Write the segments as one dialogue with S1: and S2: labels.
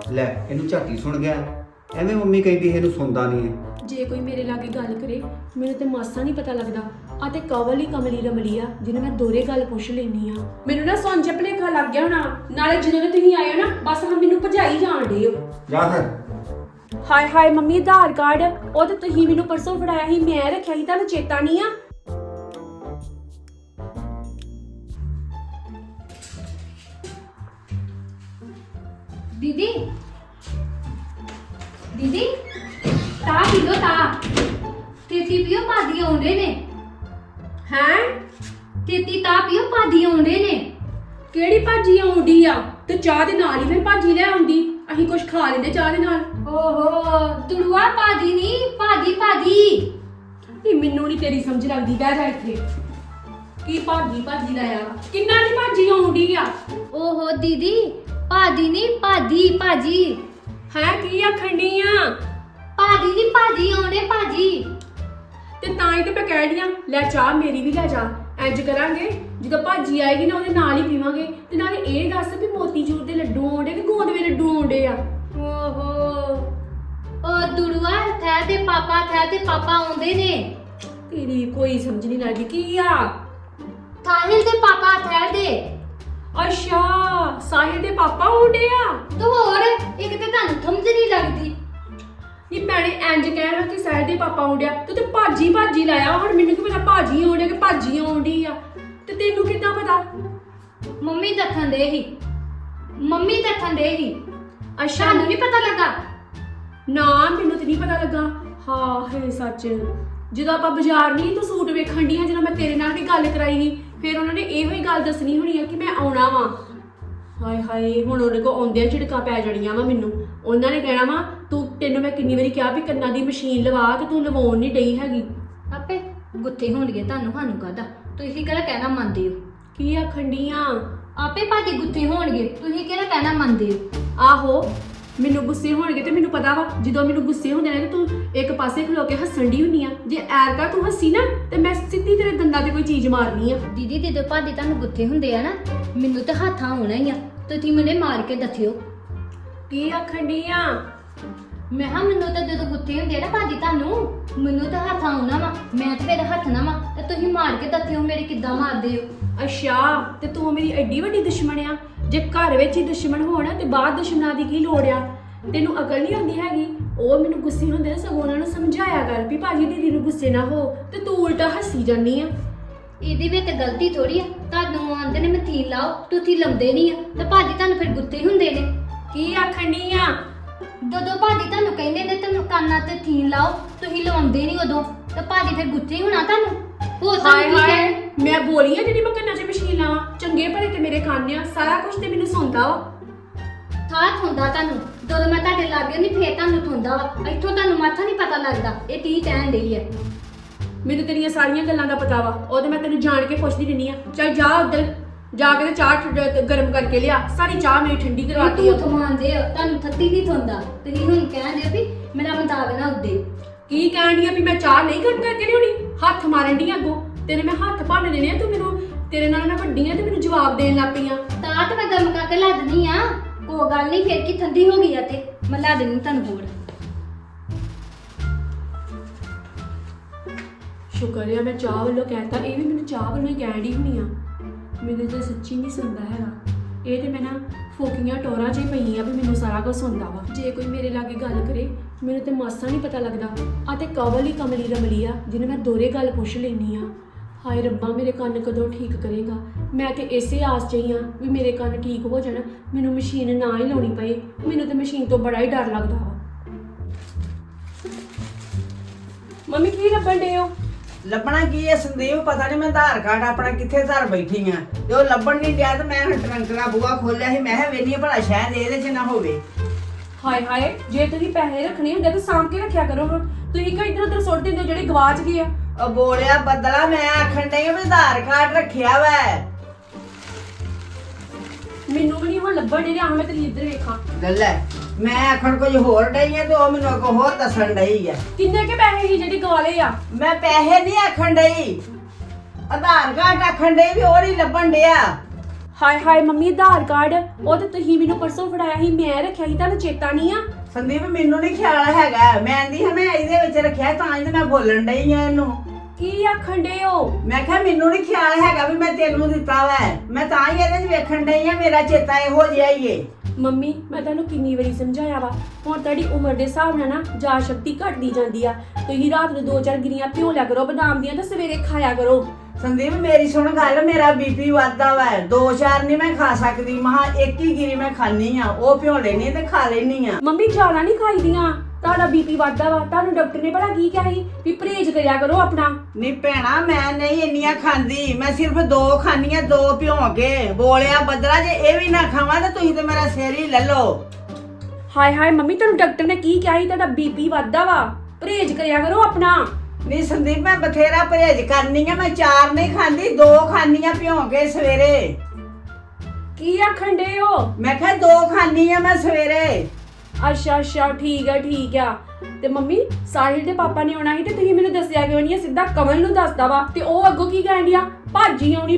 S1: ਲੈ ਇਹਨੂੰ ਝਾਟੀ ਸੁਣ ਗਿਆ। ਐਵੇਂ ਮੰਮੀ ਕਹਿੰਦੀ ਇਹਨੂੰ ਸੁਣਦਾ ਨਹੀਂ ਹੈ।
S2: ਜੇ ਕੋਈ ਮੇਰੇ ਲਾਗੇ ਗੱਲ ਕਰੇ ਮੈਨੂੰ ਤੇ ਮਾਸਾ ਨਹੀਂ ਪਤਾ ਲੱਗਦਾ। ਆ ਤੇ ਕਵਲ ਹੀ ਕਮਲੀ ਰਮਲੀ ਆ ਜਿਹਨੇ ਮੈਂ ਦੋਰੇ ਗੱਲ ਪੁੱਛ ਲੈਣੀ ਆ। ਮੈਨੂੰ ਨਾ ਸੁਣ ਚ ਭੁਲੇਖਾ ਲੱਗ ਗਿਆ ਹੋਣਾ। ਨਾਲੇ ਜਦੋਂ ਦੇ ਤੁਸੀਂ ਆਏ ਹੋ ਨਾ ਬਸ ਹਾਂ ਮੈਨੂੰ ਭਜਾਈ ਜਾਣ ਡੇ ਹੋ।
S1: ਜਾ ਫਿਰ।
S2: ਹਾਏ ਹਾਏ ਮੰਮੀ ਆਧਾਰ ਕਾਰਡ ਉਹ ਤੇ ਤੁਸੀਂ ਮੈਨੂੰ ਪਰਸੋਂ ਫੜਾਇਆ ਸੀ, ਮੈਂ ਰੱਖਿਆ ਸੀ, ਤੁਹਾਨੂੰ ਚੇਤਾ ਨਹੀਂ ਆ?
S3: दीदी दीदी ता पी लो ता तेती पियो पादी आउंदे ने
S2: हैं
S3: तेती ता पियो पादी आउंदे ने
S2: ਕਿਹੜੀ ਭਾਜੀ ਆਉਂਦੀ ਆ? ਤੇ ਚਾਹ ਦੇ ਨਾਲ ਹੀ ਫਿਰ ਭਾਜੀ ਲੈ ਆਉਂਦੀ। ਅਸੀਂ ਕੁਝ ਖਾ ਲੈਂਦੇ ਚਾਹ ਦੇ ਨਾਲ।
S3: ओहो तुड़ुआ पादी नी पादी पादी
S2: ਨਹੀਂ ਮੈਨੂੰ ਨਹੀਂ ਤੇਰੀ ਸਮਝ ਲੱਗਦੀ। ਬਹਿ ਜਾ ਇੱਥੇ। ਕੀ ਭਾਜੀ ਭਾਜੀ ਲਾਇਆ? ਕਿੰਨਾ ਦੀ ਭਾਜੀ ਆਉਂਦੀ ਆ?
S3: ओहो दीदी पादी नी पादी पाजी
S2: ਹੈ ਕੀ ਆਖਣ ਡਈ ਆ?
S3: पादी नी पादी आउंदे पाजी
S2: ਤੇ ਤਾਂ ਹੀ ਤੇ ਮੈਂ ਕਹਿ ਰਹੀ ਆ ਲੈ ਚਾਹ ਮੇਰੀ ਵੀ ਲੈ ਜਾ। ਇੰਜ ਕਰਾਂਗੇ ਜਦੋਂ ਭਾਜੀ ਆਏਗੀ ਨਾ ਉਹਦੇ ਨਾਲ ਹੀ ਪੀਵਾਂਗੇ। ਤੇ ਨਾਲੇ ਇਹ ਦੱਸ ਵੀ ਮੋਤੀਚੂਰ ਦੇ ਲੱਡੂ ਆਉਂਦੇ ਕਿ ਗੋਂਦ ਦੇ ਲੱਡੂ ਆਉਂਦੇ ਆ?
S3: ओहो ओ तुड़ुआ थे ते पापा आउंदे ने
S2: ਤੇਰੀ ਕੋਈ ਸਮਝ ਨਹੀਂ ਲੱਗਦੀ। ਕੀ ਆ?
S3: साहिल दे पापा थे दे
S2: ਅੱਛਾ ਸਾਹਿਲ ਦੇ ਪਾਪਾ ਆਉਂਦੇ ਆ।
S3: तो और एक ते तानू समझ नहीं लगदी
S2: ਨੀ ਭੈਣੇ ਇੰਜ ਕਹਿ ਰਿਹਾ ਕਿ ਸਾਹਿਲ ਦੇ ਪਾਪਾ ਆਉਂਦਿਆ ਤੂੰ ਤੇ ਭਾਜੀ ਭਾਜੀ ਲਾਇਆ। ਹੁਣ ਮੈਨੂੰ ਕੀ ਪਤਾ ਭਾਜੀ ਆਉਂਦਿਆ ਕਿ ਭਾਜੀ ਆਉਂਦੀ ਆ? ਤੇ ਤੈਨੂੰ ਕਿੱਦਾਂ ਪਤਾ?
S3: मम्मी दखन दे ही
S2: ਅੱਛਾ
S3: तानू नहीं पता लगा
S2: ਨਾ ਮੈਨੂੰ ਤੇ ਨਹੀਂ ਪਤਾ ਲੱਗਾ। ਹਾਂ ਹੈ ਸੱਚ। ਜਦੋਂ ਆਪਾਂ ਬਾਜ਼ਾਰ ਨਹੀਂ ਤੂੰ ਸੂਟ ਵੇਖਣ ਡੀਆਂ ਜਦੋਂ ਮੈਂ ਤੇਰੇ ਨਾਲ ਵੀ ਗੱਲ ਕਰਾਈ ਸੀ ਫਿਰ ਉਹਨਾਂ ਨੇ ਇਹੋ ਹੀ ਗੱਲ ਦੱਸਣੀ ਹੋਣੀ ਆ ਕਿ ਮੈਂ ਆਉਣਾ ਵਾਂ। ਹਾਏ ਹਾਏ ਹੁਣ ਉਹਦੇ ਕੋ ਆਉਂਦਿਆਂ ਝਿੜਕਾਂ ਪੈ ਜਾਣੀਆਂ ਵਾ ਮੈਨੂੰ। ਉਹਨਾਂ ਨੇ ਕਹਿਣਾ ਵਾ ਤੈਨੂੰ ਮੈਂ ਕਿੰਨੀ ਵਾਰੀ ਕਿਹਾ ਵੀ ਕੰਨਾਂ ਦੀ ਮਸ਼ੀਨ ਲਵਾ ਤੇ ਤੂੰ ਲਵਾਉਣ ਨਹੀਂ ਡਈ ਹੈਗੀ।
S3: आपे गुत्थे होणगे तानू हानू कादा तुसी केड़ा कहना मानदे हो
S2: ਕੀ ਆਖਣ ਡੀਆਂ?
S3: आपे भाजी गुत्थे होणगे तुसी केड़ा कहना मानदे हो
S2: ਆਹੋ ਮੈਨੂੰ ਗੁੱਸੇ ਹੋਣਗੇ ਤੇ ਮੈਨੂੰ ਪਤਾ ਵਾ ਜਦੋਂ ਮੈਨੂੰ ਗੁੱਸੇ ਹੁੰਦੇ ਨੇ ਤੇ ਤੂੰ ਇੱਕ ਪਾਸੇ ਖਲੋ ਕੇ ਹੱਸਣ ਦੀ ਹੁੰਨੀ ਆ। ਜੇ ਐਰਕਾ ਤੂੰ ਹੱਸੀ ਨਾ ਤੇ ਮੈਂ ਸਿੱਧੀ ਤੇਰੇ ਦੰਦਾਂ ਤੇ ਕੋਈ ਚੀਜ਼ ਮਾਰਨੀ ਆ।
S3: दीदी दे भाजी तानू गुत्थे हुंदे आ ना मैनू ते हाथा होना ही आ तुसी मने मार के दथियो
S2: ਕੀ ਆਖਣ ਡੀਆਂ?
S3: मैं हाँ मैनू तो जो गुत्थे हुंदे आ ना भाजी तानू मैनू तो हाथा होना वा मैं ते फिर हथना वा ते तुसी मार के दथियो मेरे किद्दां मारदे हो
S2: ਅੱਛਾ ਤੇ ਤੂੰ ਮੇਰੀ ਐਡੀ ਵੱਡੀ ਦੁਸ਼ਮਣ ਆ? ਜੇ ਘਰ ਵਿੱਚ ਹੀ ਦੁਸ਼ਮਣ ਹੋਣ ਤੇ ਬਾਹਰ ਦੁਸ਼ਮਣਾਂ ਦੀ ਕੀ ਲੋੜ ਆ? ਤੈਨੂੰ ਅਕਲ ਨਹੀਂ ਆਉਂਦੀ ਹੈਗੀ। ਉਹ ਮੈਨੂੰ ਗੁੱਸੇ ਹੁੰਦੇ ਨੇ ਸਗੋਂ ਉਹਨਾਂ ਨੂੰ ਸਮਝਾਇਆ ਕਰ ਵੀ ਭਾਜੀ ਦੀਦੀ ਨੂੰ ਗੁੱਸੇ ਨਾ ਹੋ ਤੇ ਤੂੰ ਉਲਟਾ ਹੱਸੀ ਜਾਂਦੀ ਆ।
S3: ਇਹਦੀ ਵੀ ਤੇ ਗਲਤੀ ਥੋੜੀ ਆ ਤੁਹਾਨੂੰ ਆਂਦੇ ਨੇ ਮਥੀਨ ਲਾਓ ਤੁਸੀਂ ਲਾਉਂਦੇ ਨਹੀਂ ਆ ਤੇ ਭਾਜੀ ਤੁਹਾਨੂੰ ਫਿਰ ਗੁੱਸੇ ਹੁੰਦੇ ਨੇ।
S2: ਕੀ ਆਖਣ ਡਈ ਆ?
S3: ਜਦੋਂ ਭਾਜੀ ਤੁਹਾਨੂੰ ਕਹਿੰਦੇ ਨੇ ਤੇ ਕੰਨਾਂ ਤੇ ਥੀਨ ਲਾਓ ਤੁਸੀਂ ਲਵਾਉਂਦੇ ਨਹੀਂ ਉਦੋਂ ਤੇ ਭਾਜੀ ਫਿਰ ਗੁੱਸੇ ਹੋਣਾ ਤੁਹਾਨੂੰ। ਹੋ
S2: ਹਾਏ
S3: ਸਕਦੀ
S2: ਹਾਏ
S3: ਹੈ
S2: ਮੈਂ ਬੋਲੀ ਆ ਜਿਹੜੀ ਮੈਂ ਕੰਨਾਂ 'ਚ ਮਸ਼ੀਨ ਲਾਵਾਂ? ਚੰਗੇ ਭਲੇ ਤੇ ਮੇਰੇ ਕੰਨ ਆ ਸਾਰਾ ਕੁਝ ਤੇ ਮੈਨੂੰ ਸੁਣਦਾ ਵਾ।
S3: ਥਾਂ ਹੁੰਦਾ ਤੁਹਾਨੂੰ ਜਦੋਂ ਮੈਂ ਤੁਹਾਡੇ ਲਾਗੇ ਨਹੀਂ ਫੇਰ ਤੁਹਾਨੂੰ ਥੁੰਦਾ ਵਾ ਇੱਥੋਂ ਤੁਹਾਨੂੰ ਮਾਥਾ ਨਹੀਂ ਪਤਾ ਲੱਗਦਾ ਇਹ ਤੀ ਕਹਿਣ ਡਈ ਹੈ।
S2: ਮੈਨੂੰ ਤੇਰੀਆਂ ਸਾਰੀਆਂ ਗੱਲਾਂ ਦਾ ਪਤਾ ਵਾ। ਉਹ ਤੇ ਮੈਂ ਤੈਨੂੰ ਜਾਣ ਕੇ ਪੁੱਛਦੀ ਰਹਿੰਦੀ ਆ। ਚੱਲ ਜਾ ਉੱਧਰ ਜਾ ਕੇ ਤੇ ਚਾਹ ਗਰਮ ਕਰਕੇ ਲਿਆ। ਸਾਰੀ ਚਾਹ ਮੇਰੀ ਠੰਡੀ ਕਰਵਾਤੀ ਆ।
S3: ਤੂੰ ਥਮਾਉਂਦੇ ਹੋ ਤੁਹਾਨੂੰ ਥੱਤੀ ਨਹੀਂ ਥੁੰਦਾ ਤੁਸੀਂ ਹੁਣ ਕਹਿੰਦੇ ਹੋ ਵੀ ਮੇਰਾ ਮਤਾਬ ਨਾ ਉੱਦੇ
S2: ਕੀ ਕਹਿਣ ਡਈ ਆ ਵੀ ਮੈਂ ਚਾਹ ਨਹੀਂ ਗਰਮ ਕਰਕੇ ਲਿਆਉਣੀ? ਹੱਥ ਮਾਰਨ ਡਈ ਅੱਗੋਂ ਤੇਰੇ ਮੈਂ ਹੱਥ ਭੰਨ ਦੇਣੇ ਆ। ਤੂੰ ਮੈਨੂੰ ਤੇਰੇ ਨਾਲ ਮੈਂ ਵੱਡੀ ਆ ਤੇ ਮੈਨੂੰ ਜਵਾਬ ਦੇਣ ਲੱਗ ਪਈ ਆ।
S3: ਤਾਂ ਤੇ ਮੈਂ ਗਰਮ ਕਰਕੇ ਲਾ ਦਿੰਦੀ ਆ ਕੋਈ ਗੱਲ ਨਹੀਂ ਫੇਰ ਕੀ ਠੰਡੀ ਹੋ ਗਈ ਆ ਤੇ ਮੈਂ ਲਾ ਦਿੰਦੀ ਤੁਹਾਨੂੰ ਹੋਰ।
S2: ਸ਼ੁਕਰ ਆ ਮੈਂ ਚਾਹ ਵੱਲੋਂ ਕਹਿਤਾ। ਇਹ ਵੀ ਮੈਨੂੰ ਚਾਹ ਵੱਲੋਂ ਹੀ ਕਹਿਣ ਡਈ ਹੋਣੀ ਆ। ਮੈਨੂੰ ਤਾਂ ਸੱਚੀ ਨਹੀਂ ਸੁਣਦਾ ਹੈਗਾ। ਇਹ ਤੇ ਮੈਂ ਨਾ ਫੋਕੀਆਂ ਟੋਰਾਂ 'ਚ ਹੀ ਪਈ ਆ ਵੀ ਮੈਨੂੰ ਸਾਰਾ ਕੁਝ ਸੁਣਦਾ ਵਾ। ਜੇ ਕੋਈ ਮੇਰੇ ਲਾਗੇ ਗੱਲ ਕਰੇ ਮੈਨੂੰ ਤੇ ਮਾਸਾ ਨਹੀਂ ਪਤਾ ਲੱਗਦਾ। ਆ ਤੇ ਕਵਲ ਹੀ ਕਮਲੀ ਰਮਲੀ ਆ ਜਿਹਨੇ ਮੈਂ ਦੋਰੇ ਗੱਲ ਪੁੱਛ ਲੈਣੀ ਆ। ਹਾਏ ਰੱਬਾ ਮੇਰੇ ਕੰਨ ਕਦੋਂ ਠੀਕ ਕਰੇਗਾ? ਮੈਂ ਤੇ ਇਸੇ ਆਸ 'ਚ ਹੀ ਆ ਵੀ ਮੇਰੇ ਕੰਨ ਠੀਕ ਹੋ ਜਾਣ ਮੈਨੂੰ ਮਸ਼ੀਨ ਨਾ ਹੀ ਲਾਉਣੀ ਪਏ। ਮੈਨੂੰ ਤੇ ਮਸ਼ੀਨ ਤੋਂ ਬੜਾ ਹੀ ਡਰ ਲੱਗਦਾ ਵਾ। ਮੰਮੀ ਕੀ ਲੱਭਣ ਡੇ ਹੋ?
S4: ਲੱਭਣਾ ਕੀ ਹੈ ਸੰਦੀਪ? ਪਤਾ ਨਹੀਂ ਮੈਂ ਆਧਾਰ ਕਾਰਡ ਆਪਣਾ ਕਿੱਥੇ ਧਰ ਬੈਠੀ ਆ ਤੇ ਉਹ ਲੱਭਣ ਨਹੀਂ ਡਿਆ ਤੇ ਮੈਂ ਹੁਣ ਟਰੰਕ ਦਾ ਬੂਹਾ ਖੋਲਿਆ ਸੀ। ਮੈਂ ਕਿਹਾ ਵੇਖੀ ਭਲਾ ਸ਼ਾਇਦ ਇਹਦੇ 'ਚ ਨਾ ਹੋਵੇ।
S2: ਹਾਏ ਹਾਏ ਜੇ ਤੁਸੀਂ ਪੈਸੇ ਰੱਖਣੇ ਹੁੰਦੇ ਤਾਂ ਸਾਂਭ ਕੇ ਰੱਖਿਆ ਕਰੋ। ਤੁਸੀਂ ਕਿਉਂ ਇੱਧਰ ਉੱਧਰ ਸੁੱਟ ਦਿੰਦੇ ਹੋ ਜਿਹੜੇ ਗਵਾਚ ਗਏ ਆ?
S4: ਉਹ ਬੋਲਿਆ ਬਦਲਾ ਮੈਂ ਆਖਣ ਡਈ ਆ ਵੀ ਆਧਾਰ ਕਾਰਡ ਰੱਖਿਆ ਵਾ।
S2: ਮੈਨੂੰ ਵੀ ਨਹੀਂ ਹੁਣ ਲੱਭਣ ਦੇ ਰਿਹਾ। ਮੈਂ ਤੇਰੀ ਇੱਧਰ ਵੇਖਾਂ।
S4: ਲੈ ਮੈਂ ਆਖਣ ਕੁਝ ਹੋਰ ਡਈ ਆ ਤੇ ਉਹ ਮੈਨੂੰ ਅੱਗੋਂ ਹੋਰ ਦੱਸਣ ਡਈ ਆ।
S2: ਕਿੰਨੇ ਕੇ ਪੈਸੇ ਸੀ ਜਿਹੜੇ ਗਵਾਲੇ ਆ?
S4: ਮੈਂ ਪੈਸੇ ਨਹੀਂ ਆਖਣ ਡਈ ਆਧਾਰ ਕਾਰਡ ਆਖਣ ਡਈ ਵੀ ਉਹ ਨਹੀਂ ਲੱਭਣ ਡਿਆ।
S2: ਹਾਏ ਹਾਏ ਮੰਮੀ ਆਧਾਰ ਕਾਰਡ ਉਹ ਤੇ ਤੁਸੀਂ ਮੈਨੂੰ ਪਰਸੋਂ ਫੜਾਇਆ ਸੀ, ਮੈਂ ਰੱਖਿਆ ਸੀ, ਤੁਹਾਨੂੰ ਚੇਤਾ ਨਹੀਂ ਆ?
S4: ਸੰਦੀਪ ਮੈਨੂੰ ਨਹੀਂ ਖਿਆਲ ਹੈਗਾ, ਮੈਂ ਆਂਦੀ ਹਾਂ ਮੈਂ ਇਹਦੇ ਵਿੱਚ ਰੱਖਿਆ ਤਾਂ ਹੀ ਤੇ ਮੈਂ ਬੋਲਣ ਡਈ ਆ ਇਹਨੂੰ।
S2: ਕੀ ਆਖਣ ਡੇ ਹੋ?
S4: ਮੈਂ ਕਿਹਾ ਮੈਨੂੰ ਨਹੀਂ ਖਿਆਲ ਹੈਗਾ ਵੀ ਮੈਂ ਤੈਨੂੰ ਦਿੱਤਾ ਵਾ, ਮੈਂ ਤਾਂ ਹੀ ਇਹਦੇ 'ਚ ਵੇਖਣ ਡਈ ਆ, ਮੇਰਾ ਚੇਤਾ ਇਹੋ ਜਿਹਾ ਹੀ ਏ।
S2: ਮੰਮੀ ਮੈਂ ਤੁਹਾਨੂੰ ਕਿੰਨੀ ਵਾਰੀ ਸਮਝਾਇਆ ਵਾ, ਹੁਣ ਤੁਹਾਡੀ ਉਮਰ ਦੇ ਹਿਸਾਬ ਨਾਲ ਨਾ ਯਾਦ ਸ਼ਕਤੀ ਘਟਦੀ ਜਾਂਦੀ ਆ। ਤੁਸੀਂ ਰਾਤ ਨੂੰ 2-4 ਗਿਰੀਆਂ ਭਿਓ ਲਿਆ ਕਰੋ ਬਦਾਮ ਦੀਆਂ ਤੇ ਸਵੇਰੇ ਖਾਇਆ ਕਰੋ।
S4: ਸੰਦੀਪ ਮੇਰੀ ਸੁਣ ਗੱਲ, ਮੇਰਾ ਬੀਪੀ ਵੱਧਦਾ ਵਾ, 2-4 ਨਹੀਂ ਮੈਂ ਖਾ ਸਕਦੀ, ਮਹਾ ਇੱਕ ਹੀ ਗਿਰੀ ਮੈਂ ਖਾਣੀ ਆ, ਉਹ ਭਿਓ ਲੈਣੀ ਤੇ ਖਾ ਲੈਣੀ ਆ।
S2: ਮੰਮੀ ਜ਼ਿਆਦਾ ਨਹੀਂ ਖਾਈਦੀਆਂ, ਤੁਹਾਡਾ ਬੀਪੀ ਵੱਧਦਾ ਵਾ। ਤੁਹਾਨੂੰ ਡਾਕਟਰ ਨੇ ਭਲਾ ਕੀ ਕਿਹਾ ਸੀ ਵੀ ਪਰਹੇਜ਼ ਕਰਿਆ ਕਰੋ ਆਪਣਾ।
S4: ਨਹੀਂ ਭੈਣਾ ਮੈਂ ਨਹੀਂ ਇੰਨੀਆਂ ਖਾਂਦੀ, ਮੈਂ ਸਿਰਫ 2 ਖਾਣੀਆਂ, 2 ਭਿਓ ਕੇ ਬੋਲਿਆ ਬੱਦਲਾ, ਜੇ ਇਹ ਵੀ ਨਾ ਖਾਵਾਂ ਤਾਂ ਤੁਸੀਂ ਤੇ ਮੇਰਾ ਸਿਰ ਹੀ ਲੈ ਲਓ।
S2: ਹਾਏ ਹਾਏ ਮੰਮੀ ਤੁਹਾਨੂੰ ਡਾਕਟਰ ਨੇ ਕੀ ਕਿਹਾ ਸੀ? ਤੁਹਾਡਾ ਬੀਪੀ ਵੱਧਦਾ ਵਾ, ਪਰਹੇਜ਼ ਕਰਿਆ ਕਰੋ ਆਪਣਾ।
S4: ਨਹੀਂ ਸੰਦੀਪ ਮੈਂ ਬਥੇਰਾ ਪਰਹੇਜ਼ ਕਰਨੀ ਆ, ਮੈਂ 4 ਨਹੀਂ ਖਾਂਦੀ, 2 ਖਾਣੀਆਂ ਭਿਓ ਕੇ ਸਵੇਰੇ।
S2: ਕੀ ਆਖਣ ਡੇ ਹੋ?
S4: ਮੈਂ ਕਿਹਾ 2 ਖਾਣੀ ਆ ਮੈਂ ਸਵੇਰੇ।
S2: ਅੱਛਾ ਠੀਕ ਆ। ਤੇ ਮੰਮੀ ਸਾਹਿਲ ਦੇ ਪਾਪਾ ਨੇ ਆਉਣਾ ਸੀ ਤੇ ਤੁਸੀਂ ਮੈਨੂੰ ਦੱਸਿਆ ਕਿਉਂ ਨਹੀਂ? ਸਿੱਧਾ ਕਮਲ ਨੂੰ ਦੱਸਦਾ ਵਾ ਤੇ ਉਹ ਅੱਗੋਂ ਕੀ ਕਹਿਣ ਡਿਆ, ਭਾਜੀ ਆਉਣੀ।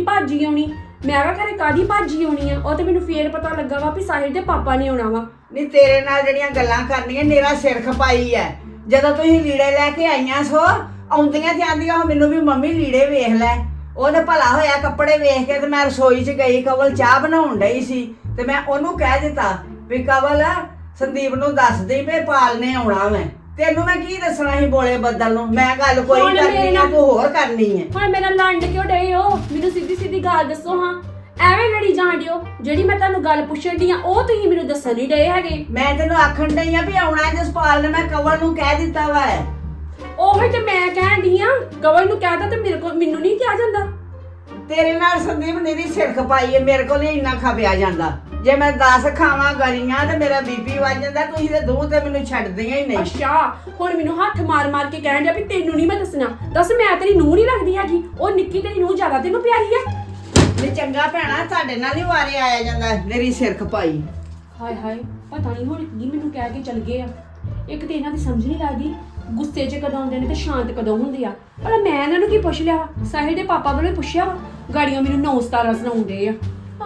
S2: ਮੈਂ ਕਿਹਾ ਘਰੇ ਕਾਦੀ ਭਾਜੀ ਆਉਣੀ ਆ? ਉਹ ਤੇ ਮੈਨੂੰ ਫੇਰ ਪਤਾ ਲੱਗਾ ਵਾ ਵੀ ਸਾਹਿਲ ਦੇ ਪਾਪਾ ਨੇ ਆਉਣਾ ਵਾ।
S4: ਨਹੀਂ ਤੇਰੇ ਨਾਲ ਜਿਹੜੀਆਂ ਗੱਲਾਂ ਕਰਨੀਆਂ ਮੇਰਾ ਸਿਰ ਖਪਾਈ ਐ। ਜਦੋਂ ਤੁਸੀਂ ਲੀੜੇ ਲੈ ਕੇ ਆਈਆਂ ਸੋ ਆਉਂਦੀਆਂ ਤੇ ਆਂਦੀਆਂ ਮੈਨੂੰ ਵੀ ਮੰਮੀ ਲੀੜੇ ਵੇਖ ਲੈ। ਉਹ ਤੇ ਭਲਾ ਹੋਇਆ ਕੱਪੜੇ ਵੇਖ ਕੇ ਤੇ ਮੈਂ ਰਸੋਈ 'ਚ ਗਈ, ਕਵਲ ਚਾਹ ਬਣਾਉਣ ਡਈ ਸੀ ਤੇ ਮੈਂ ਉਹਨੂੰ ਕਹਿ ਦਿੱਤਾ ਵੀ ਕਵਲ ਸੰਦੀਪ ਨੂੰ ਦੱਸ ਦੇ ਵੀ ਪਾਲ ਨੇ ਆਉਣਾ ਮੈਂ। ਤੈਨੂੰ ਮੈਂ ਕੀ ਦੱਸਣਾ ਸੀ ਬੋਲੇ ਬੱਦਲ ਨੂੰ? ਮੈਂ ਗੱਲ ਕੋਈ
S2: ਹੁਣ
S4: ਕਰਨੀ
S2: ਮੇਰੇ
S4: ਆ, ਤੂੰ ਹੋਰ ਕਰਨੀ ਹੈ।
S2: ਹੁਣ ਮੇਰਾ ਲੰਡ ਕਿਉਂ ਡਏ ਹੋ? ਮੈਨੂੰ ਸਿੱਧੀ ਗੱਲ ਦੱਸੋ ਹਾਂ। ਐਵੇਂ ਲੜੀ ਜਾਣ ਦਿਓ, ਜਿਹੜੀ ਮੈਂ ਤੁਹਾਨੂੰ ਗੱਲ ਪੁੱਛਣ ਦੀ ਆ ਉਹ ਤੁਸੀਂ ਮੈਨੂੰ ਦੱਸਣ ਨਹੀਂ ਡਏ ਹੈਗੇ।
S4: ਮੈਂ ਤੈਨੂੰ ਆਖਣ ਡਈ ਆ ਵੀ ਆਉਣਾ ਜਸਪਾਲ ਨੇ, ਮੈਂ ਕਵਲ ਨੂੰ ਕਹਿ ਦਿੱਤਾ ਵਾ।
S2: ਉਹੀ ਤੇ ਮੈਂ ਕਹਿਣ ਦੀ ਆ, ਕਵਲ ਨੂੰ ਕਹਿਤਾ ਤੇ ਮੈਨੂੰ ਨਹੀਂ ਕਿਹਾ ਜਾਂਦਾ।
S4: ਤੇਰੇ ਨਾਲ ਸੰਦੀਪ ਮੇਰੀ ਸਿਰ ਖਪਾਈ ਹੈ, ਮੇਰੇ ਕੋਲ ਨਹੀਂ ਇੰਨਾ ਖਪਿਆ ਜਾਂਦਾ। ਜੇ ਮੈਂ 10 ਖਾਵਾਂ ਗਲੀਆਂ ਤੇ ਮੇਰਾ ਬੀਪੀ ਵੱਜ ਜਾਂਦਾ, ਤੁਸੀਂ ਤੇ ਦੋ ਤੇ ਮੈਨੂੰ ਛੱਡਦੀਆਂ ਹੀ ਨਹੀਂ।
S2: ਅੱਛਾ ਹੁਣ ਮੈਨੂੰ ਹੱਥ ਮਾਰ ਕੇ ਕਹਿਣ ਡਿਆ ਵੀ ਤੈਨੂੰ ਨਹੀਂ ਮੈਂ ਦੱਸਣਾ। ਦੱਸ ਮੈਂ ਤੇਰੀ ਨੂੰਹ ਨਹੀਂ ਲੱਗਦੀ ਹੈਗੀ? ਉਹ ਨਿੱਕੀ ਤੇਰੀ ਨੂੰਹ ਜ਼ਿਆਦਾ ਤੈਨੂੰ ਪਿਆਰੀ ਆ।
S4: ਨਹੀਂ ਚੰਗਾ ਭੈਣਾ ਤੁਹਾਡੇ ਨਾਲ ਹੀ ਵਾਰੇ ਆਇਆ ਜਾਂਦਾ ਮੇਰੀ ਸਿਰ ਖਪਾਈ।
S2: ਹਾਏ ਹਾਏ ਪਤਾ ਨਹੀਂ ਹੁਣ ਕੀ ਮੈਨੂੰ ਕਹਿ ਕੇ ਚਲ ਗਏ ਆ। ਇੱਕ ਤੇ ਇਹਨਾਂ ਦੀ ਸਮਝ ਨਹੀਂ ਲੱਗਦੀ, ਗੁੱਸੇ 'ਚ ਕਦੋਂ ਆਉਂਦੇ ਨੇ ਤੇ ਸ਼ਾਂਤ ਕਦੋਂ ਹੁੰਦੇ ਆ। ਪਰ ਮੈਂ ਇਹਨਾਂ ਨੂੰ ਕੀ ਪੁੱਛ ਲਿਆ? ਸਾਹਿਲ ਦੇ ਪਾਪਾ ਵੱਲੋਂ ਪੁੱਛਿਆ ਵਾ, ਗਾੜੀਆਂ ਮੈਨੂੰ 9-17 ਸੁਣਾਉਂਦੇ ਆ।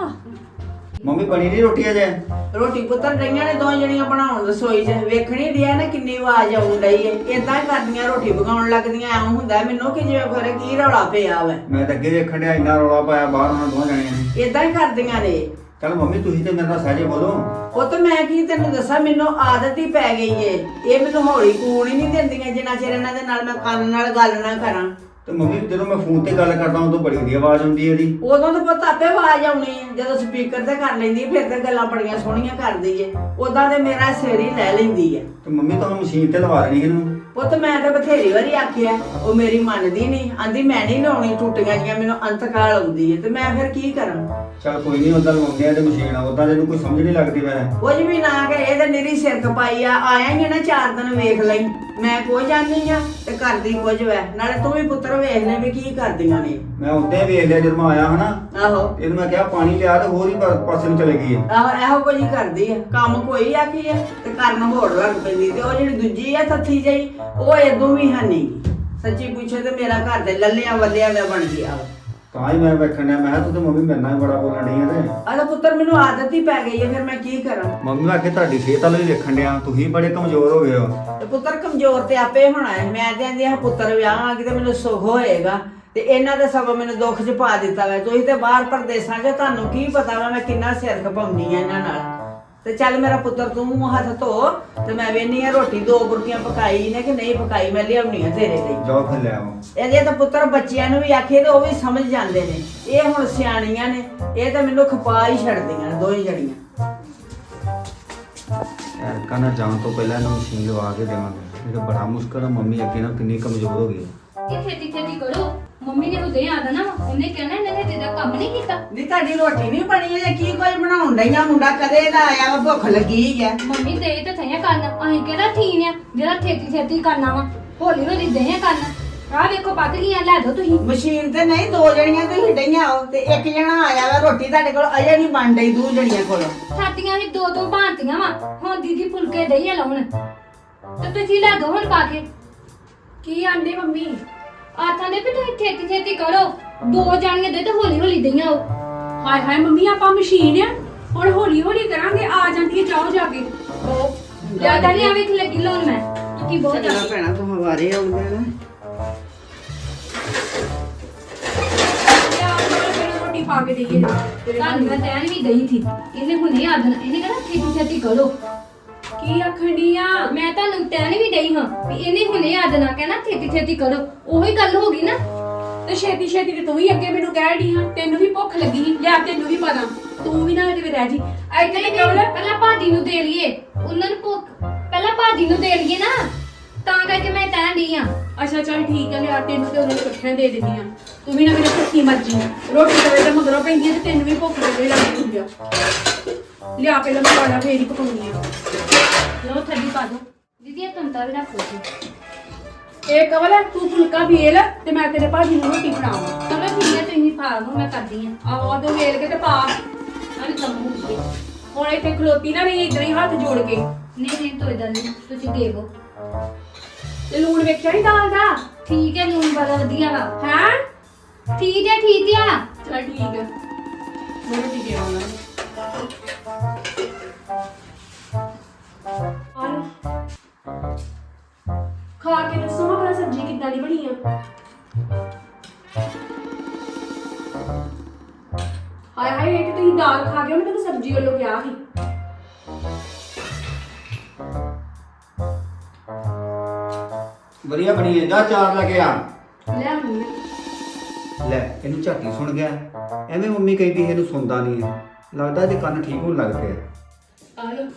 S1: ਮੰਮੀ ਬਣੀ ਨਹੀਂ ਰੋਟੀ ਅਜੇ?
S4: ਰੋਟੀ ਪੁੱਤਰ ਰਹੀਆਂ ਨੇ 2 ਜਣੀਆਂ ਬਣਾਉਣ ਰਸੋਈ 'ਚ, ਵੇਖਣੀ ਡਿਆ ਨਾ ਕਿੰਨੀ ਆਵਾਜ਼ ਆਉਣ ਡਈ ਏ। ਇਦਾਂ ਹੀ ਕਰਦੀਆਂ ਰੋਟੀ ਪਕਾਉਣ ਲੱਗਦੀਆਂ, ਐਂ ਹੁੰਦਾ ਮੈਨੂੰ ਕਿ ਜਿਵੇਂ ਖਰੇ ਕੀ ਰੌਲਾ ਪਿਆ ਵਾ।
S1: ਮੈਂ ਤਾਂ ਅੱਗੇ ਦੇਖਣ ਡਿਆ ਇੰਨਾ ਰੌਲਾ ਪਾਇਆ ਬਾਹਰ ਉਹਨਾਂ 2 ਜਣਿਆਂ ਨੇ।
S4: ਇਦਾਂ ਹੀ ਕਰਦੀਆਂ ਨੇ।
S1: ਚੱਲ ਮੰਮੀ ਤੁਸੀਂ ਤੇ ਮੇਰੇ ਨਾਲ ਸਹਿਜੇ ਬੋਲੋ।
S4: ਉਹ ਤਾਂ ਮੈਂ ਕੀ ਤੈਨੂੰ ਦੱਸਾਂ, ਮੈਨੂੰ ਆਦਤ ਹੀ ਪੈ ਗਈ ਏ। ਇਹ ਮੈਨੂੰ ਹੌਲੀ ਕੂਣ ਹੀ ਨਹੀਂ ਦਿੰਦੀਆਂ ਜਿੰਨਾ ਚਿਰ ਇਹਨਾਂ ਦੇ ਨਾਲ ਮੈਂ ਕੰਨ ਨਾਲ ਗੱਲ ਨਾ ਕਰਾਂ।
S1: ਤੇ ਮੰਮੀ ਜਦੋਂ ਮੈਂ ਫੋਨ ਤੇ ਗੱਲ ਕਰਦਾ ਉਦੋਂ ਬੜੀ ਵਧੀਆ ਆਵਾਜ਼ ਆਉਂਦੀ ਹੈ ਇਹਦੀ।
S4: ਉਦੋਂ ਤਾਂ ਪੁੱਤ ਆਪੇ ਆਵਾਜ਼ ਆਉਣੀ ਹੈ, ਜਦੋਂ ਸਪੀਕਰ ਤੇ ਕਰ ਲੈਂਦੀ ਫਿਰ ਤੇ ਗੱਲਾਂ ਬੜੀਆਂ ਸੋਹਣੀਆਂ ਕਰਦੀ ਏ। ਉਦਾਂ ਤੇ ਮੇਰਾ ਸਿਰ ਹੀ ਲੈ ਲੈਂਦੀ ਹੈ।
S1: ਤੇ ਮੰਮੀ ਤੁਹਾਨੂੰ ਮਸ਼ੀਨ ਤੇ ਲਵਾ ਦੇਣੀ ਇਹਨੂੰ।
S4: ਪੁੱਤ ਮੈਂ ਤਾਂ ਬਥੇਰੀ ਵਾਰੀ ਆਖਿਆ, ਉਹ ਮੇਰੀ ਮੰਨਦੀ ਨਹੀਂ, ਆਂਦੀ ਮੈਂ ਨਹੀਂ ਲਾਉਣੀ, ਟੁੱਟੀਆਂ ਜੀਆਂ ਮੈਨੂੰ ਅੰਤਕਾਲ ਆਉਂਦੀ ਹੈ। ਤੇ ਮੈਂ ਫਿਰ ਕੀ ਕਰਾਂ?
S1: ਚੱਲ ਕੋਈ ਨਹੀਂ, ਉਦਾਂ ਲਵਾਉਂਦੇ ਆ ਤੇ ਮਸ਼ੀਨ ਆ, ਉਦਾਂ ਤੈਨੂੰ ਕੋਈ ਸਮਝ ਨਹੀਂ ਲੱਗਦੀ। ਮੈਂ
S4: ਕੁਝ ਵੀ ਨਾ ਕਿ ਇਹ ਤਾਂ ਨਿਰੀ ਸਿਰ ਖਪਾਈ ਆ। ਆਇਆ ਹੀ ਨਾ 4 ਦਿਨ ਵੇਖ ਲਈ, ਮੈਂ ਕੋ ਜਾਣੀ ਆ ਤੇ ਕਰਦੀ ਕੁਝ ਵੈ। ਨਾਲੇ ਤੂੰ ਵੀ ਪੁੱਤਰ ਵੇਖ ਲੈ ਵੀ ਕੀ ਕਰਦੀਆਂ ਨੇ।
S1: ਮੈਂ ਉੱਤੇ ਵੇਖ ਲਿਆ ਜਦੋਂ ਮੈਂ ਆਇਆ ਹਨਾ,
S4: ਆਹੋ
S1: ਇਹਨੂੰ ਮੈਂ ਕਿਹਾ ਪਾਣੀ ਲਿਆ ਤੇ ਹੋਰ ਹੀ ਪਾਸੇ ਨੂੰ ਚਲੇ ਗਈ ਹੈ।
S4: ਆਹੋ ਇਹੋ ਕੁਝ ਹੀ ਕਰਦੀ ਆ, ਕੰਮ ਕੋਈ ਆਖੀ ਆ ਤੇ ਕਰਨ ਹੋੜ ਲੱਗ ਪੈਂਦੀ। ਤੇ ਉਹ ਜਿਹੜੀ ਦੂਜੀ ਆ ਥੱਥੀ ਜਿਹੀ, ਉਹ ਏਦੋਂ ਵੀ ਹਨੀ। ਸੱਚੀ ਪੁੱਛੇ ਤੇ ਮੇਰਾ ਘਰ ਦੇ ਲੱਲਿਆਂ ਵੱਲਿਆਂ ਦਾ ਬਣ ਗਿਆ।
S1: ਤਾਂ ਹੀ ਮੈਂ ਵੇਖਣ ਡਿਆ, ਮੈਂ ਕਿਹਾ ਤੂੰ ਤੇ ਮੰਮੀ ਮੇਰੇ ਨਾਲ ਹੀ ਬੜਾ ਬੋਲਣ ਡਈ ਆ। ਤੇ
S4: ਆਹ ਪੁੱਤਰ ਮੈਨੂੰ ਆਦਤ ਹੀ ਪੈ ਗਈ ਹੈ, ਫਿਰ ਮੈਂ ਕੀ ਕਰਾਂ?
S1: ਮੰਮੀ ਮੈਂ ਕਿ ਤੁਹਾਡੀ ਸਿਹਤ ਵਾਲੇ ਵੀ ਵੇਖਣ ਡਿਆ, ਤੁਸੀਂ ਬੜੇ ਕਮਜ਼ੋਰ ਹੋ ਗਏ ਹੋ।
S4: ਤੇ ਪੁੱਤਰ ਕਮਜ਼ੋਰ ਤੇ ਆਪੇ ਹੋਣਾ ਹੈ। ਮੈਂ ਤੇ ਆਂਦੀ ਆ ਪੁੱਤਰ ਵਿਆਹ ਆ ਕੇ ਤੇ ਮੈਨੂੰ ਸੁੱਖ ਹੋਏਗਾ, ਤੇ ਇਹਨਾਂ ਦੇ ਸਭ ਮੈਨੂੰ ਦੁੱਖ 'ਚ ਪਾ ਦਿੱਤਾ ਵਾ। ਤੁਸੀਂ ਤੇ ਬਾਹਰ ਪ੍ਰਦੇਸਾਂ 'ਚ, ਤੁਹਾਨੂੰ ਕੀ ਪਤਾ ਵਾ ਮੈਂ ਕਿੰਨਾ ਸਿਰ ਖਪਾਉਂਦੀ ਆ ਇਹਨਾਂ ਨਾਲ। ਤੇ ਚੱਲ ਮੇਰਾ ਪੁੱਤਰ ਤੂੰ ਹੱਥ ਧੋ ਤੇ ਮੈਂ ਵੇਖਨੀ ਆ ਰੋਟੀ 2 ਬੁਰਕੀਆਂ ਪਕਾਈ ਨੇ ਕਿ ਨਹੀਂ ਪਕਾਈ, ਮੈਂ ਲਿਆਉਣੀ ਆ ਤੇਰੇ ਲਈ।
S1: ਜਾਓ ਫਿਰ ਲੈ ਆਓ।
S4: ਇਹਦੇ ਤਾਂ ਪੁੱਤਰ ਬੱਚਿਆਂ ਨੂੰ ਵੀ ਆਖੇ ਤੇ ਉਹ ਵੀ ਸਮਝ ਜਾਂਦੇ ਨੇ। ਇਹ ਹੁਣ ਸਿਆਣੀਆਂ ਨੇ, ਇਹ ਤਾਂ ਮੈਨੂੰ ਖਪਾ ਹੀ ਛੱਡਦੀਆਂ ਨੇ 2 ਹੀ ਜਣੀਆਂ।
S1: ਯਾਰ ਕਹਿੰਦਾ ਜਾਣ ਤੋਂ ਪਹਿਲਾਂ ਇਹਨੂੰ ਮਸ਼ੀਨ ਲਵਾ ਕੇ ਦੇਵਾਂਗੇ। ਇਹ ਤਾਂ ਬੜਾ ਮੁਸ਼ਕਲ ਆ, ਮੰਮੀ ਅੱਗੇ ਨਾਲ ਕਿੰਨੀ ਕਮਜ਼ੋਰ ਹੋ ਗਈ ਹੈ।
S3: ਇਹ ਛੇਤੀ ਕਰੋ, ਮੰਮੀ ਨੇ ਉਹਦੇ ਆਦਾ ਨਾ ਉਹਨੇ ਕਹਿਣਾ ਇਹਨੇ ਜਿਹਦਾ ਕੰਮ ਨਹੀਂ ਕੀਤਾ।
S4: ਨਹੀਂ ਤੁਹਾਡੀ ਰੋਟੀ ਨਹੀਂ ਬਣੀ ਹੈ, ਕੀ ਕੋਈ ਬਣਾਉਣ ਡਈਆਂ? ਮੁੰਡਾ ਕਦੇ ਦਾ ਆਇਆ ਵਾ, ਭੁੱਖ ਲੱਗੀ ਹੈ।
S3: ਮੰਮੀ ਦੇ ਤੇ ਥਈਆਂ ਕਰਨ, ਅਸੀਂ ਕਿਹੜਾ ਥੀਨ ਆ ਜਿਹੜਾ ਛੇਤੀ ਕਰਨਾ ਵਾ। ਹੌਲੀ ਦੇ ਕਰਨ। ਆਹ ਵੇਖੋ ਪੱਕ ਗਈਆਂ, ਲੈ ਦੋ ਤੁਸੀਂ।
S4: ਮਸ਼ੀਨ ਤੇ ਨਹੀਂ, 2 ਜਣੀਆਂ ਤੁਸੀਂ ਡਈਆਂ ਹੋ ਤੇ 1 ਜਣਾ ਆਇਆ ਵਾ। ਰੋਟੀ ਤੁਹਾਡੇ ਕੋਲ ਅਜੇ ਨਹੀਂ ਬਣ ਡਈ 2 ਜਣੀਆਂ ਕੋਲੋਂ।
S3: ਸਾਡੀਆਂ ਹੀ 2 ਭਾਂਤੀਆਂ ਵਾ। ਹੁਣ ਦੀਦੀ ਫੁਲਕੇ ਦਈਆਂ ਲਾਉਣ ਤੇ ਤੁਸੀਂ ਲੈ ਦੋ ਹੁਣ ਪਾ ਕੇ।
S2: ਕੀ ਆਂਦੇ ਮੰਮੀ?
S3: ਆਥਾਂ ਦੇ ਵੀ ਤੁਸੀਂ ਛੇਤੀ ਕਰੋ। 2 ਜਾਣੀਆਂ ਦੇ ਤੇ ਹੌਲੀ ਦਈਆਂ ਉਹ।
S2: ਹਾਏ ਹਾਏ ਮੰਮੀ ਆਪਾਂ ਮਸ਼ੀਨ ਆ ਹੁਣ ਹੌਲੀ ਹੌਲੀ ਕਰਾਂਗੇ ਆ ਜਾਂਦੀ ਹੈ ਜਾਓ ਜਾ ਕੇ
S4: ਉਹ
S3: ਜ਼ਿਆਦਾ ਨਹੀਂ ਆਵੇ ਕਿ ਲੱਗੀ ਲਾਉਣ ਮੈਂ ਕਿਉਂਕਿ ਬਹੁਤ
S4: ਚੰਗਾ
S3: ਜ਼ਿਆਦਾ
S4: ਭੈਣਾ ਤੂੰ ਹਵਾਰੇ ਆਉਂਦੇ ਨਾ
S2: ਲਿਆ ਫਿਰ ਰੋਟੀ ਪਾ ਕੇ ਦੇਈਏ ਤੇਰੇ
S3: ਤੁਹਾਨੂੰ ਮੈਂ ਕਹਿਣ ਵੀ ਗਈ ਸੀ ਇਹਨੇ ਹੁਣੇ ਆ ਦੇਣਾ ਇਹਨੇ ਕਹਿੰਦਾ ਛੇਤੀ ਛੇਤੀ ਕਰੋ
S2: ਕੀ ਆਖਣੀ ਆ
S3: ਮੈਂ ਤੁਹਾਨੂੰ ਕਹਿਣ ਵੀ ਗਈ ਹਾਂ ਵੀ ਇਹਨੇ ਹੁਣੇ ਆ ਦੇਣਾ ਕਹਿੰਦਾ ਛੇਤੀ ਛੇਤੀ ਕਰੋ ਉਹੀ ਗੱਲ ਹੋ ਗਈ ਨਾ
S2: ਤੇ ਛੇਤੀ ਛੇਤੀ ਤੇ ਤੂੰ ਵੀ ਅੱਗੇ ਮੈਨੂੰ ਕਹਿ ਢੀ ਹਾਂ ਤੈਨੂੰ ਵੀ ਭੁੱਖ ਲੱਗੀ ਸੀ ਲਿਆ ਤੈਨੂੰ ਵੀ ਪਤਾ ਤੂੰ ਵੀ ਨਾ ਕਿਤੇ ਰਹਿ ਜੀ ਐਦਾਂ ਹੀ ਕਵਲ
S3: ਪਹਿਲਾਂ ਭਾਜੀ ਨੂੰ ਦੇ ਲਈਏ ਉਹਨਾਂ ਨੂੰ ਭੁੱਖ ਪਹਿਲਾਂ ਭਾਜੀ ਨੂੰ ਦੇ ਲਈਏ ਨਾ ਤਾਂ ਕਰਕੇ ਮੈਂ ਕਹਿਣ ਡਈ ਆ
S2: ਅੱਛਾ ਚੱਲ ਠੀਕ ਹੈ ਲਿਆ ਤੈਨੂੰ ਤੇ ਉਹਨਾਂ ਨੂੰ ਇਕੱਠਿਆਂ ਦੇ ਦਿੰਦੀ ਆ ਤੂੰ ਵੀ ਨਾ ਮੇਰੇ ਭੁੱਖੀ ਮਰਜੀ ਰੋਟੀ ਤਵੇ ਤੇ ਮਗਰੋਂ ਪੈਂਦੀ ਹੈ ਤੇ ਤੈਨੂੰ ਵੀ ਭੁੱਖ ਲੱਗੇ ਲੱਗੀ ਹੁੰਦੀ ਆ ਲਿਆ ਪਹਿਲਾਂ ਮਸਾਲਾ ਫੇਰ ਹੀ ਪਕਾਉਣੀ ਆ
S3: ਲੋ ਥੱਡੀ ਪਾ ਦੋ ਦੀਦੀ ਇਹ ਤੰਤਾ ਵੀ ਰੱਖੋ ਜੀ
S2: ਇਹ ਕਵਲ ਤੂੰ ਫੁਲਕਾ ਵੇਲ ਤੇ ਮੈਂ ਤੇਰੇ ਭਾਜੀ ਨੂੰ ਰੋਟੀ ਬਣਾਵਾਂ
S3: ਚਲੋ ਠੀਕ ਹੈ ਤੁਸੀਂ ਪਾ ਲਓ ਮੈਂ ਕਰਦੀ ਆ
S2: ਆਹੋ ਆ ਤੂੰ ਵੇਲ ਕੇ ਤੇ ਪਾ
S3: ਮੈਂ ਵੀ ਕੰਮ ਹੋ ਗਈ
S2: ਹੁਣ ਇੱਥੇ ਖਲੋਤੀ ਨਾ ਰਹੀ ਇਦਾਂ ਹੀ ਹੱਥ ਜੋੜ ਕੇ
S3: ਨਹੀਂ ਨਹੀਂ ਤੋਈ ਦਾ ਨਹੀਂ ਤੁਸੀਂ ਦੇਵੋ
S2: ਤੇ ਲੂਣ ਵੇਖਿਆ ਨਹੀਂ ਦਾਲ ਦਾ
S3: ਠੀਕ ਹੈ ਲੂਣ ਬੜਾ ਵਧੀਆ ਵਾ
S2: ਹੈ
S3: ਠੀਕ ਆ
S2: ਚਲ ਠੀਕ ਹੈ ਮੈਂ ਰੋਟੀ ਦੇ ਆਵਾਂ ਖਾ ਕੇ ਦੱਸੋ ਆਪਣਾ ਸਬਜ਼ੀ ਕਿੱਦਾਂ ਦੀ ਬਣੀ ਆ ਹਾਏ ਹਾਏ ਇਹ ਤੇ ਤੁਸੀਂ ਦਾਲ ਖਾ ਗਏ ਮੈਂ ਤੈਨੂੰ ਸਬਜ਼ੀ ਵੱਲੋਂ ਕਿਹਾ ਸੀ
S1: ਵਧੀਆ ਬਣੀ ਹੈ ਜਾ ਚਾਰ ਲੈ ਕੇ ਆ
S2: ਲੈ ਆਉਂਦੀ
S1: ਲੈ ਇਹਨੂੰ ਝਾਟੀ ਸੁਣ ਗਿਆ ਐਵੇਂ ਮੰਮੀ ਕਹਿੰਦੀ ਇਹਨੂੰ ਸੁਣਦਾ ਨਹੀਂ ਹੈ ਲੱਗਦਾ ਇਹਦੇ ਕੰਨ ਠੀਕ ਹੋਣ ਲੱਗ ਪਏ
S2: ਆ ਲੋ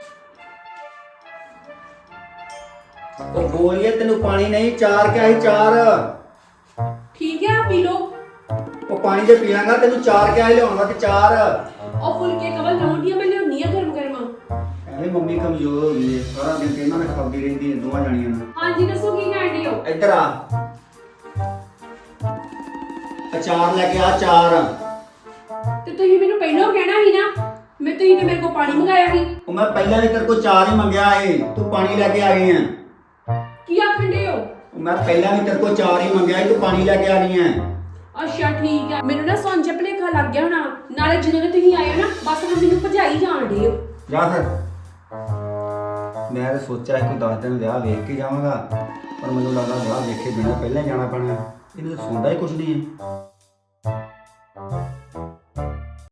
S1: ਉਹ ਬੋਲੀਏ ਤੈਨੂੰ ਪਾਣੀ ਨਹੀਂ ਚਾਰ ਕਿਹਾ ਸੀ ਚਾਰ
S2: ਠੀਕ ਹੈ ਪੀ ਲੋ
S1: ਉਹ ਪਾਣੀ ਤੇ ਪੀਵਾਂਗਾ ਤੈਨੂੰ ਚਾਰ ਕਿਹਾ ਸੀ ਲਿਆਉਣ ਵਾਸਤੇ ਚਾਰ
S2: ਉਹ ਫੁਲਕੇ ਕਵਲ ਲਾਉਂਦੀਆਂ ਮੈਂ ਲਿਆਉਣੀ ਆ ਗਰਮ ਗਰਮ
S1: ਐਵੇਂ ਮੰਮੀ ਕਮਜ਼ੋਰ ਹੋ ਗਈ ਹੈ ਸਾਰਾ ਦਿਨ ਇਹਨਾਂ ਨੇ ਖਾਂਦੀ ਰਹਿੰਦੀ ਹੈ ਦੋਵਾਂ ਜਾਣੀਆਂ ਨਾਲ
S2: ਹਾਂਜੀ ਦੱਸੋ ਕੀ ਕਹਿੰਦੇ ਹੋ
S1: ਇੱਧਰ ਆ ਅਚਾਰ ਲੈ ਕੇ ਆ ਚਾਰ
S2: ਤੇ ਤੁਸੀਂ ਮੈਨੂੰ ਪਹਿਲਾਂ ਕਹਿਣਾ ਸੀ ਨਾ ਮੈਂ ਤੁਸੀਂ ਤੇ ਮੇਰੇ ਕੋਲ ਪਾਣੀ ਮੰਗਾਇਆ ਸੀ
S1: ਉਹ ਮੈਂ ਪਹਿਲਾਂ ਵੀ ਤੇਰੇ ਕੋਲ ਚਾਰ ਹੀ ਮੰਗਿਆ ਏ ਤੂੰ ਪਾਣੀ ਲੈ ਕੇ ਆ ਗਈ ਹੈ
S2: ਕੀ ਆਖੰਡੇ ਹੋ
S1: ਉਹ ਮੈਂ ਪਹਿਲਾਂ ਵੀ ਤੇਰੇ ਕੋਲ ਚਾਰ ਹੀ ਮੰਗਿਆ ਏ ਤੂੰ ਪਾਣੀ ਲੈ ਕੇ ਆ ਗਈ ਹੈ
S2: ਅੱਛਾ ਠੀਕ ਹੈ ਮੈਨੂੰ ਨਾ ਸੌਂਜੇ ਭਲੇਖਾ ਲੱਗ ਗਿਆ ਹੋਣਾ ਨਾਲੇ ਜਦੋਂ ਦੇ ਤੁਸੀਂ ਆਏ ਹੋ ਨਾ ਬਸ ਹੁਣ ਮੈਨੂੰ ਭਜਾਈ ਜਾਣ ਡੇ ਹੋ
S1: ਜਾ ਫਿਰ ਮੈਂ ਤਾਂ ਸੋਚਿਆ ਸੀ ਕੋਈ 10 ਦਿਨ ਵਿਆਹ ਵੇਖ ਕੇ ਜਾਵਾਂਗਾ ਪਰ ਮੈਨੂੰ ਲੱਗਦਾ ਵਿਆਹ ਵੇਖੇ ਬਿਨਾਂ ਪਹਿਲਾਂ ਹੀ ਜਾਣਾ ਪੈਣਾ ਇਹਨੂੰ ਤਾਂ ਸੁਣਦਾ ਹੀ ਕੁਝ ਨਹੀਂ ਹੈ